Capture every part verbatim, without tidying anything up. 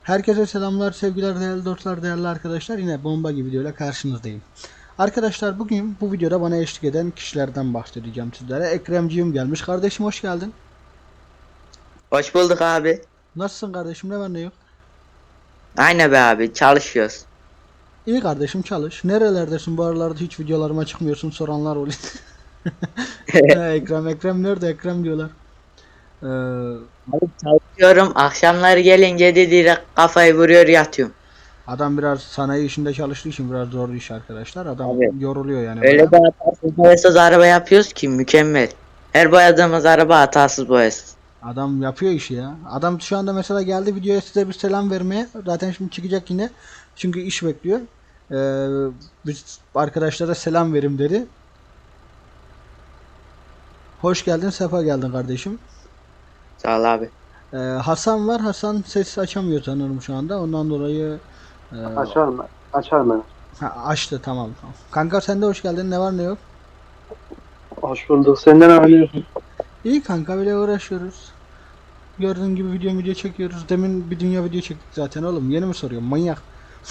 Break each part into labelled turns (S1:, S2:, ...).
S1: Herkese selamlar, sevgiler, değerli dostlar, değerli arkadaşlar. Yine bomba gibi videoyla karşınızdayım. Arkadaşlar bugün bu videoda bana eşlik eden kişilerden bahsedeceğim sizlere. Ekremciğim gelmiş. Kardeşim hoş geldin.
S2: Hoş bulduk abi.
S1: Nasılsın kardeşim? Ne var ne yok?
S2: Aynen be abi, çalışıyoruz.
S1: İyi kardeşim çalış. Nerelerdesin bu aralarda hiç videolarıma çıkmıyorsun soranlar oluyor. He, Ekrem Ekrem nerede Ekrem diyorlar. Ee,
S2: Abi çalışıyorum. Akşamları gelince de direkt kafayı vuruyor yatıyorum.
S1: Adam biraz sanayi işinde çalıştığı için biraz zor iş arkadaşlar. Adam
S2: Abi
S1: yoruluyor yani
S2: öyle
S1: baya.
S2: bir hatasız boyasız araba yapıyoruz ki mükemmel. Her boyadığımız araba hatasız boyasız.
S1: Adam yapıyor işi ya. Adam şu anda mesela geldi videoya size bir selam vermeye. Zaten şimdi çıkacak yine. Çünkü iş bekliyor. Ee, biz arkadaşlara selam verim dedi. Hoş geldin, sefa geldin kardeşim.
S2: Sağ ol abi.
S1: Ee, Hasan var. Hasan ses açamıyor sanırım şu anda. Ondan dolayı e,
S3: Açar mı? Açar mı?
S1: ha, açtı tamam, tamam. Kanka sen de hoş geldin. Ne var ne yok?
S3: Hoş bulduk. Senden ne arıyorsun?
S1: İyi kanka, böyle uğraşıyoruz. Gördüğün gibi video video çekiyoruz. Demin bir dünya video çektik zaten oğlum. Yeni mi soruyorum? Manyak.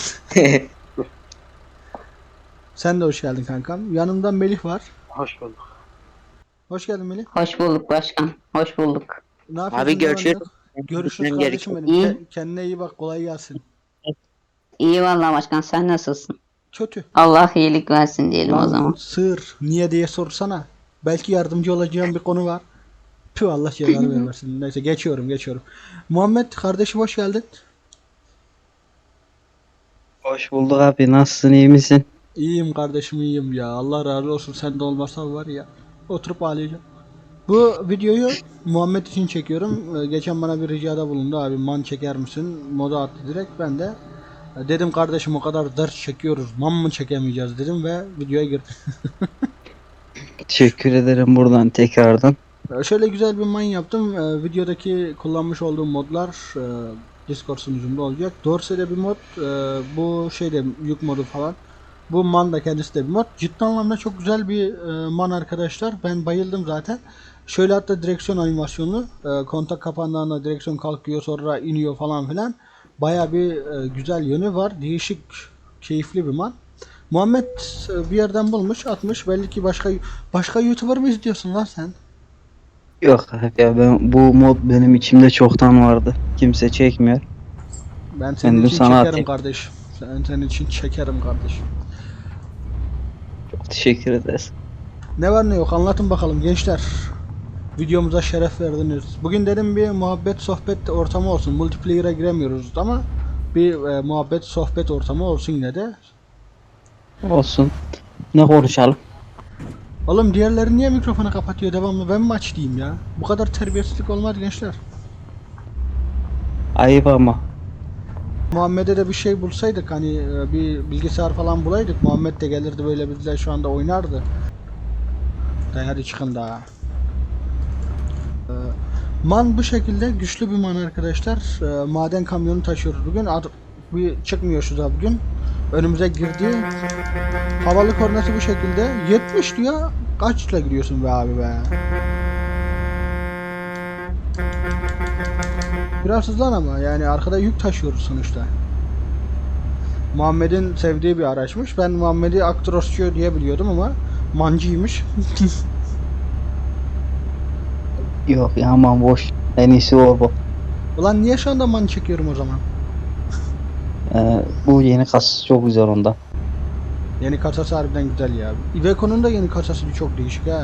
S1: Sen de hoş geldin kankam. Yanımda Melih var.
S3: Hoş bulduk.
S1: Hoş geldin Melih.
S4: Hoş bulduk başkan. Hoş bulduk.
S1: Ne
S2: Abi
S1: yapıyorsun? Ne var ne
S2: görüşürüz.
S1: yok?
S2: Benim
S1: Görüşürüz
S2: gitmem
S1: kardeşim
S2: gerekiyor.
S1: benim.
S4: İyi.
S1: Ke- kendine iyi bak. Kolay gelsin.
S4: İyi vallahi başkan, sen nasılsın?
S1: Kötü.
S4: Allah iyilik versin diyelim o
S1: Lan
S4: zaman.
S1: sığır. Niye diye sorsana. Belki yardımcı olacağım bir konu var. Tüh, Allah cezanı vermesin. Neyse geçiyorum geçiyorum. Muhammed kardeşim hoş geldin.
S5: Hoş bulduk abi. Nasılsın, iyi misin?
S1: İyiyim kardeşim, iyiyim ya. Allah razı olsun. Sen de olmasa var ya. Oturup ağlayacağım. Bu videoyu Muhammed için çekiyorum. Ee, Geçen bana bir ricada bulundu. Abi man çeker misin? Moda attı direkt. Ben de e, dedim kardeşim o kadar ders çekiyoruz. Man mı çekemeyeceğiz dedim ve videoya girdim.
S5: Teşekkür ederim buradan tekrardan.
S1: Ee, Şöyle güzel bir man yaptım. Ee, Videodaki kullanmış olduğum modlar e, Discord sunucumda olacak. Dorse'de bir mod. e, Bu şeyde yük modu falan. Bu man da kendisi de bir mod. Ciddi anlamda çok güzel bir e, man arkadaşlar. Ben bayıldım zaten. Şöyle hatta direksiyon animasyonu. E, kontak kapandığında direksiyon kalkıyor sonra iniyor falan filan. Baya bir e, güzel yönü var. Değişik, keyifli bir man. Muhammed e, bir yerden bulmuş, atmış. Belli ki başka başka YouTuber mı izliyorsun lan sen?
S5: Yok abi ya, ben bu mod benim içimde çoktan vardı. Kimse çekmiyor.
S1: Ben senin
S5: Kendim
S1: için
S5: sana
S1: çekerim
S5: atayım.
S1: kardeşim. Ben senin için çekerim kardeşim.
S5: Çok teşekkür ederiz.
S1: Ne var ne yok anlatın bakalım gençler. Videomuza şeref verdiniz. Bugün dedim bir muhabbet sohbet ortamı olsun. Multiplayer'a giremiyoruz ama bir e, muhabbet sohbet ortamı olsun yine de.
S5: Olsun. Ne konuşalım?
S1: Oğlum diğerleri niye mikrofonu kapatıyor devamlı? Ben mi aç diyeyim ya? Bu kadar terbiyesizlik olmaz gençler.
S5: Ayıp ama.
S1: Muhammed'e de bir şey bulsaydık, hani e, bir bilgisayar falan bulaydık. Muhammed de gelirdi böyle bizle şu anda oynardı. Da hadi çıkın daha. Ee, Man bu şekilde güçlü bir man arkadaşlar. Ee, maden kamyonu taşıyoruz bugün. Ad bir çıkmıyor şu da bugün. Önümüze girdi. Havalı kornası bu şekilde. yetmiş diyor. Kaçla gidiyorsun be abi be. Biraz hızlan ama yani arkada yük taşıyoruz sonuçta. Muhammed'in sevdiği bir araçmış. Ben Muhammed'i Actrosçu diye biliyordum ama mancıymış.
S5: Yok ya, aman boş. En iyisi o bu.
S1: Ulan niye şu anda man çekiyorum o zaman?
S5: Ee, bu yeni kas çok güzel onda.
S1: Yeni kasası harbiden güzel ya. Iveco'nun da yeni kasası çok değişik ha.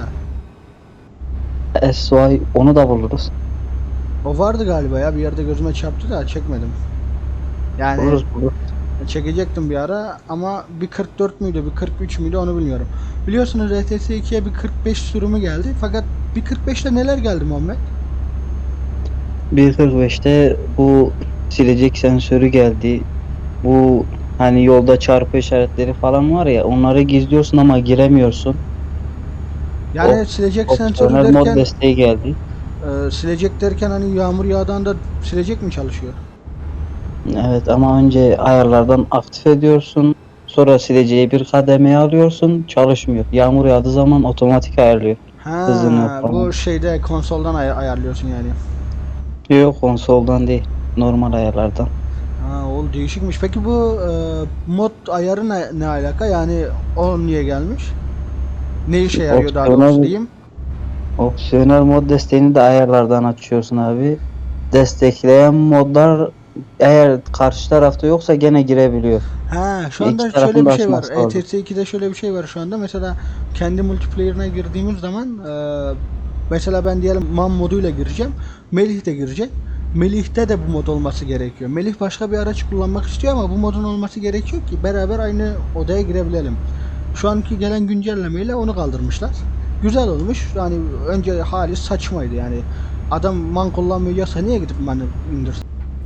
S5: S Y onu da buluruz.
S1: O vardı galiba ya, bir yerde gözüme çarptı da çekmedim. Yani
S5: Buluruz buluruz.
S1: çekecektim bir ara ama bir kırk dört müydü bir kırk üç müydü onu bilmiyorum. Biliyorsunuz R T S ikiye bir kırk beş sürümü geldi fakat bir kırk beşte neler geldi Muhammed?
S5: bir nokta kırk beşte bu silecek sensörü geldi. Bu hani yolda çarpı işaretleri falan var ya, onları gizliyorsun ama giremiyorsun.
S1: Yani
S5: O-
S1: silecek sensörü
S5: Opsiyonel mod
S1: derken
S5: desteği geldi.
S1: e, silecek derken hani yağmur yağdığında silecek mi çalışıyor?
S5: Evet ama önce ayarlardan aktif ediyorsun. Sonra sileceği bir kademeye alıyorsun. Çalışmıyor. Yağmur yağdığı zaman otomatik ayarlıyor. Hızını
S1: Ha,
S5: falan.
S1: bu şeyde konsoldan ay- ayarlıyorsun yani.
S5: Yok, konsoldan değil. Normal ayarlardan.
S1: o değişikmiş. Peki bu e, mod ayarı ne, ne alaka? Yani o niye gelmiş? Ne işe yarıyor daha
S5: Opsiyonel-
S1: doğrusu diyeyim?
S5: Opsiyonel mod desteğini de ayarlardan açıyorsun abi. Destekleyen modlar eğer karşı tarafta yoksa gene girebiliyor.
S1: Ha, şu
S5: İki
S1: anda
S5: tarafın
S1: şöyle
S5: da
S1: bir şey var.
S5: açması lazım.
S1: E T S iki'de şöyle bir şey var şu anda. Mesela kendi multiplayer'ına girdiğimiz zaman e, mesela ben diyelim man moduyla gireceğim. Melih de girecek. Melih'te de bu mod olması gerekiyor. Melih başka bir araç kullanmak istiyor ama bu modun olması gerekiyor ki beraber aynı odaya girebilelim. Şu anki gelen güncellemeyle onu kaldırmışlar. Güzel olmuş. Yani önce hali saçmaydı yani. Adam man kullanmıyorsa niye gidip manı indirsin?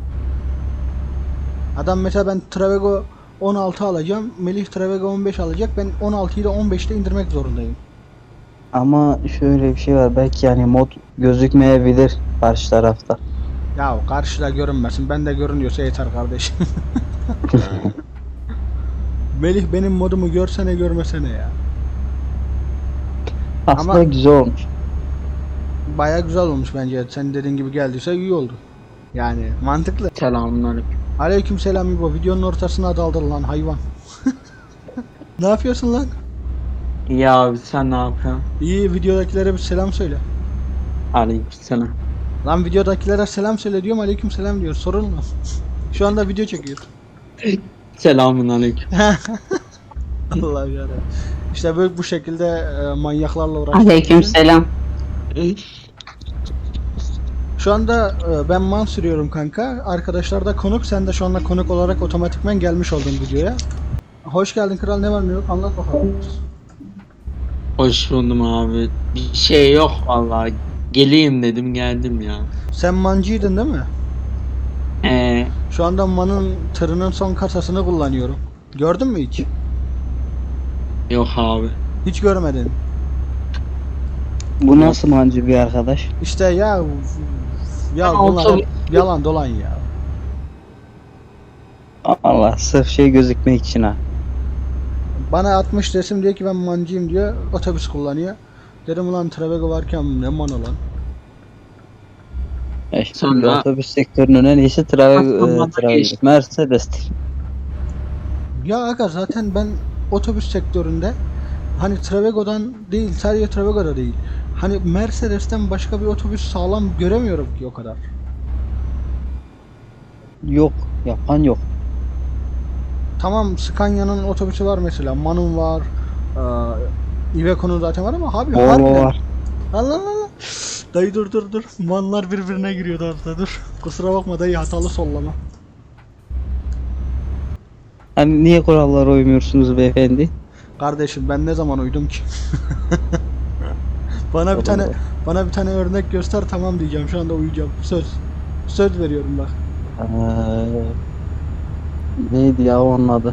S1: Adam mesela ben Travego on altı alacağım. Melih Travego on beş alacak. Ben on altıyı da on beşte indirmek zorundayım.
S5: Ama şöyle bir şey var. Belki yani mod gözükmeyebilir karşı tarafta.
S1: Ya karşıda görünmesin. Ben de görünüyorsa yeter kardeşim. Melih benim modumu görsene görmesene ya.
S5: Aslında
S1: Ama-
S5: güzel olmuş.
S1: Baya güzel olmuş bence. Sen dediğin gibi geldiyse iyi oldu. Yani mantıklı.
S6: Selamünaleyküm.
S1: Aleykümselam İbo. Videonun ortasına daldın lan hayvan. Ne yapıyorsun lan?
S6: İyi abi sen ne yapıyorsun?
S1: İyi, videodakilere bir selam söyle.
S6: Aleykümselam.
S1: Lan videodakilere selam söyle diyorum, aleykümselam diyor. Sorun mu? Şu anda video çekiyor.
S6: Selamünaleyküm.
S1: Allah'ım yarabbim. İşte böyle bu şekilde e, manyaklarla uğraştık.
S4: Aleykümselam.
S1: Şu anda e, ben man sürüyorum kanka. Arkadaşlar da konuk. Sen de şu anda konuk olarak otomatikmen gelmiş oldun videoya. Hoş geldin kral, ne var ne yok anlat bakalım.
S6: Hoş buldum abi. Bir şey yok vallahi. Geleyim dedim geldim ya.
S1: Sen mancıydın değil mi?
S6: Ee,
S1: Şu anda manın tırının son kasasını kullanıyorum. Gördün mü hiç?
S6: yok abi.
S1: Hiç görmedin.
S5: Bu nasıl mancı bir arkadaş?
S1: İşte ya ya
S6: Ben
S1: bunlar
S6: otobüs-
S1: hep yalan dolan ya.
S5: Allah sırf şey gözükmek için ha.
S1: Bana atmış resim diyor ki ben mancıyım diyor. Otobüs kullanıyor. Dedim ulan Travego varken ne manı lan.
S5: Ya şimdi
S6: Sonra-
S5: otobüs sektörünün en iyisi Travel,
S6: Aslında
S5: e, Travel
S6: geçti.
S5: Mercedes'tir.
S1: Ya aga zaten ben otobüs sektöründe hani Travego'dan değil, sadece Travego'da değil. Hani Mercedes'ten başka bir otobüs sağlam göremiyorum ki o kadar.
S5: Yok, yapan yok.
S1: Tamam, Scania'nın otobüsü var mesela, Man'ın var, eee Iveco'nun zaten var ama abi
S5: Volvo
S1: harbiden.
S5: var.
S1: Allah Allah Allah. Dayı dur dur dur. Manlar birbirine giriyor orada dur. Kusura bakma dayı, hatalı sollama.
S5: Hani niye kurallara uymuyorsunuz beyefendi?
S1: Kardeşim ben ne zaman uydum ki? Bana bir tane bana bir tane örnek göster, tamam diyeceğim, şu anda uyuyacağım. Söz. Söz veriyorum bak.
S5: Ee, neydi ya onun adı?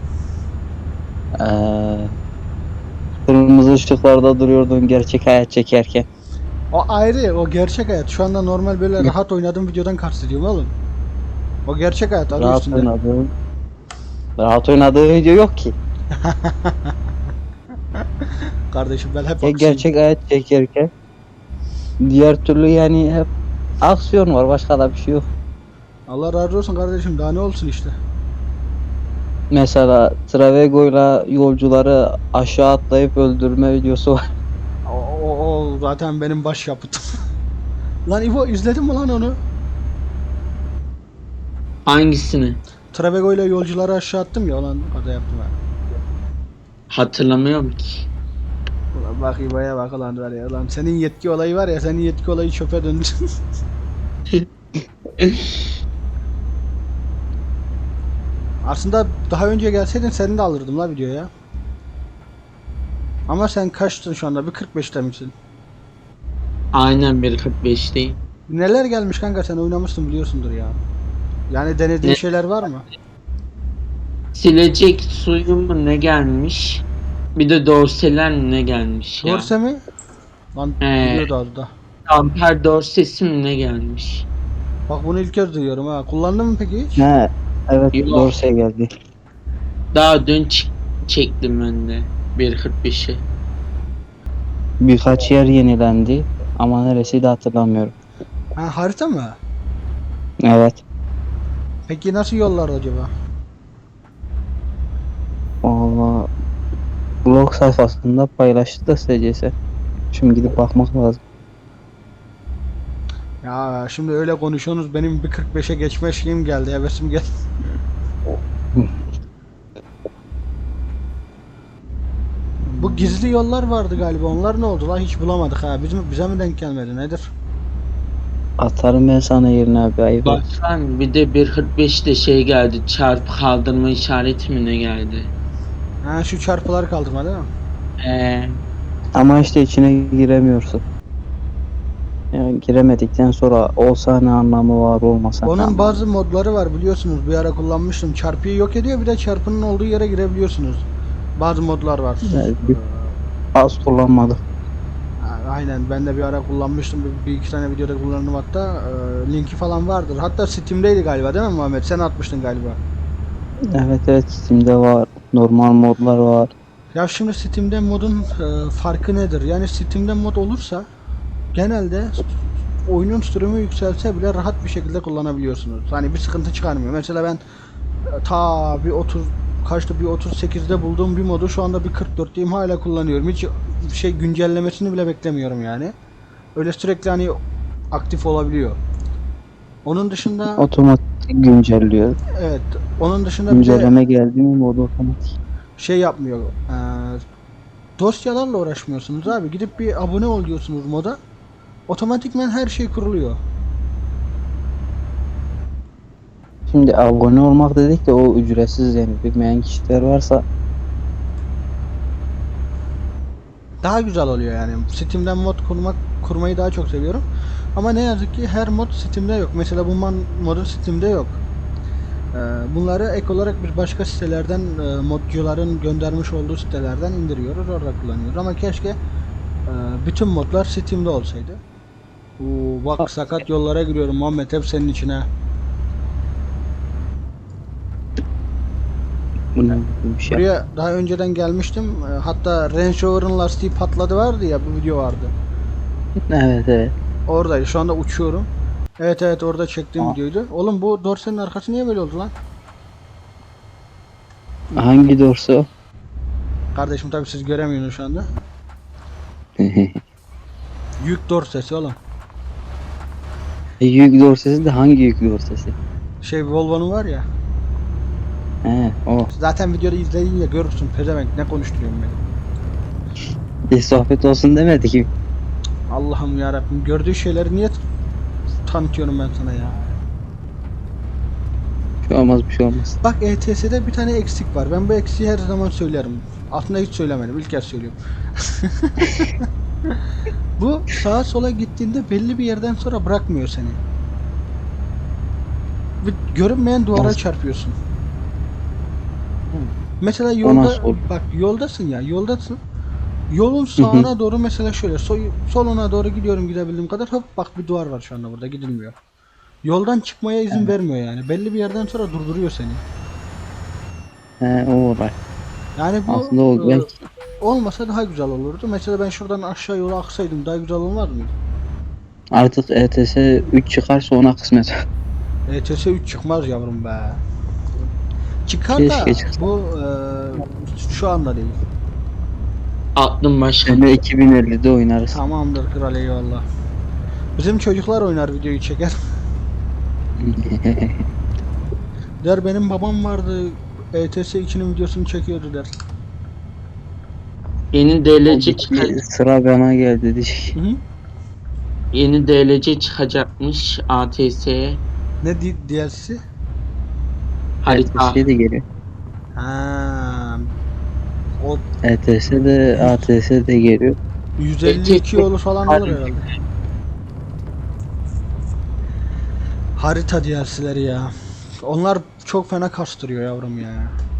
S5: Ee, kırmızı ışıklarda duruyordun gerçek hayat çekerken.
S1: O ayrı, o gerçek hayat. Şu anda normal böyle rahat oynadığım videodan kastediyorum oğlum. O gerçek hayat adı
S5: Rahat
S1: üstünde.
S5: oynadığı Rahat oynadığı video yok ki.
S1: Kardeşim ben hep
S5: Ya
S1: haksızım.
S5: gerçek hayat çekerken diğer türlü yani hep aksiyon var, başka da bir şey yok.
S1: Allah razı olsun kardeşim, daha ne olsun işte.
S5: Mesela Travego'yla yolcuları aşağı atlayıp öldürme videosu var.
S1: O, o, o zaten benim baş yapıtım. Lan İbo, izledin mi lan onu?
S6: Hangisini?
S1: Travego ile yolcuları aşağı attım ya, lan kaza yaptım ha.
S6: Hatırlamıyorum ki.
S1: Ulan bak İbo'ya bak lan var ya, lan senin yetki olayı var ya, senin yetki olayı çöpe döndü. Aslında daha önce gelseydin seni de alırdım la videoya. Ama sen kaçtın şu anda? Bir kırk beşte misin?
S6: Aynen bir kırk beşteyim.
S1: Neler gelmiş kanka, sen oynamışsın biliyorsundur ya. Yani denediğin
S6: Ne?
S1: şeyler var mı?
S6: Silecek suyu mu ne gelmiş? Bir de dorseler mi ne gelmiş ya?
S1: Dorse mi? Lan
S6: Ee.
S1: biliyordu adı da.
S6: Amper dorsesi mi ne gelmiş?
S1: Bak bunu ilk kez duyuyorum ha. Kullandın mı peki hiç?
S5: He, evet
S6: Yok.
S5: Dorsey geldi.
S6: Daha dün ç- çektim ben de bir kırk beşi.
S5: Birkaç yer yenilendi ama neresiydi hatırlamıyorum.
S1: Ha, harita mı?
S5: Evet.
S1: Peki nasıl yollar acaba?
S5: Valla blog sayfasında paylaştı da S C S. Şimdi gidip bakmak lazım.
S1: Ya şimdi öyle konuşuyorsunuz, benim bir kırk beşe geçme şeyim geldi, hevesim geldi. Bu gizli yollar vardı galiba, onlar ne oldu la, hiç bulamadık ha, bizim bize mi denk gelmedi nedir?
S5: Atarım ben sana yerine abi, ayıp.
S6: Baksan bir de bir kırk beşte şey geldi. Çarpı kaldırma işareti mi ne geldi?
S1: Ha, şu çarpıları kaldırma değil mi?
S6: Ee,
S5: Ama işte içine giremiyorsun. Yani giremedikten sonra olsa ne anlamı var, olmasa ne
S1: Onun
S5: anlamı
S1: bazı modları var biliyorsunuz, bir ara kullanmıştım, çarpıyı yok ediyor, bir de çarpının olduğu yere girebiliyorsunuz. Bazı modlar var.
S5: Evet, bir- az kullanmadım.
S1: Ha, aynen, ben de bir ara kullanmıştım, bir, bir iki tane videoda kullandım hatta. Ee, linki falan vardır, hatta Steam'deydi galiba değil mi Muhammed, sen atmıştın galiba.
S5: Evet evet, Steam'de var. Normal modlar var.
S1: Ya şimdi Steam'de modun e, farkı nedir? Yani Steam'de mod olursa genelde oyunun sürümü yükselse bile rahat bir şekilde kullanabiliyorsunuz. Hani bir sıkıntı çıkarmıyor. Mesela ben e, ta bir otuz kaçtı bir otuz sekizde bulduğum bir modu şu anda bir kırk dörtteyim, hala kullanıyorum. Hiç bir şey güncellemesini bile beklemiyorum yani. Öyle sürekli hani aktif olabiliyor. Onun dışında
S5: Otomatik güncelliyor.
S1: evet, onun dışında bir de
S5: Güncelleme geldi mi modu otomatik.
S1: şey yapmıyor. E, dosyalarla uğraşmıyorsunuz abi. Gidip bir abone ol diyorsunuz moda. Otomatikmen her şey kuruluyor.
S5: Şimdi abone olmak dedik de o ücretsiz, yani bilmeyen kişiler varsa
S1: Daha güzel oluyor yani. Steam'den mod kurmak kurmayı daha çok seviyorum. Ama ne yazık ki her mod Steam'de yok. Mesela bu man modu Steam'de yok. Ee, bunları ek olarak bir başka sitelerden, e, modcuların göndermiş olduğu sitelerden indiriyoruz, orada kullanıyoruz. Ama keşke e, bütün modlar Steam'de olsaydı. Oo, bak sakat yollara giriyorum Muhammed, hep senin içine.
S5: bu ne bir şey.
S1: Buraya daha önceden gelmiştim. E, Hatta Range Rover'ın lastiği patladı vardı ya, bu video vardı.
S5: Evet evet.
S1: Oradaydı. Şu anda uçuyorum. Evet evet, orada çektiğim
S5: Aa.
S1: videoydu. Oğlum bu dorsenin arkası niye böyle oldu lan?
S5: Hangi dorsu?
S1: Kardeşim tabii siz göremiyorsunuz şu anda. Yük dorsesi oğlum.
S5: E, yük dorsesi de hangi yük dorsesi?
S1: Şey, Volvo'nun var ya.
S5: He o.
S1: Zaten videoda izleyince görürsün pezevenk, ne konuşturuyorum beni.
S5: Bir sohbet olsun demedi ki.
S1: Allah'ım ya Rabbim, gördüğü şeyleri niye t- tanıtıyorum ben sana ya.
S5: Bir şey olmaz, bir şey olmaz.
S1: Bak, E T S'de bir tane eksik var. Ben bu eksiği her zaman söylerim. Aslında hiç söylemedim. İlk kez söylüyorum. Bu sağa sola gittiğinde belli bir yerden sonra bırakmıyor seni. Bir görünmeyen duvara
S5: Nasıl?
S1: çarpıyorsun. Mesela
S5: O
S1: yolda,
S5: nasıl olur?
S1: bak yoldasın ya, yoldasın. Yolun sağına doğru mesela şöyle so- soluna doğru gidiyorum gidebildiğim kadar, hop bak bir duvar var şu anda, burada gidilmiyor. Yoldan çıkmaya izin
S5: Evet.
S1: vermiyor yani. Belli bir yerden sonra durduruyor seni.
S5: He o olay.
S1: Yani bu
S5: Aslında o
S1: e,
S5: belki
S1: olmasa daha güzel olurdu. Mesela ben şuradan aşağı yola aksaydım daha güzel olmaz mıydı?
S5: artık E T S üç çıkarsa ona kısmet.
S1: E T S üç çıkmaz yavrum be. Çıkar
S5: Keşke
S1: da
S5: çıksa.
S1: bu e, şu anda değil.
S6: aklım başka.
S5: Sene iki bin ellide oynarız.
S1: Tamamdır kral, eyvallah. Bizim çocuklar oynar, videoyu çeker. Der benim babam vardı, E T S ikinin videosunu çekiyordu der.
S6: Yeni D L C çıkacak.
S5: Sıra bana geldi diyecek.
S1: Hı -hı.
S6: Yeni D L C çıkacakmış A T S'ye.
S1: Ne di D L C?
S6: Harita.
S5: E T S de geliyor.
S1: Ha. O
S5: E T S de A T S de geliyor.
S1: yüz elli iki yolu falan olur herhalde. Harita D L C'leri ya. Onlar çok fena kastırıyor yavrum ya.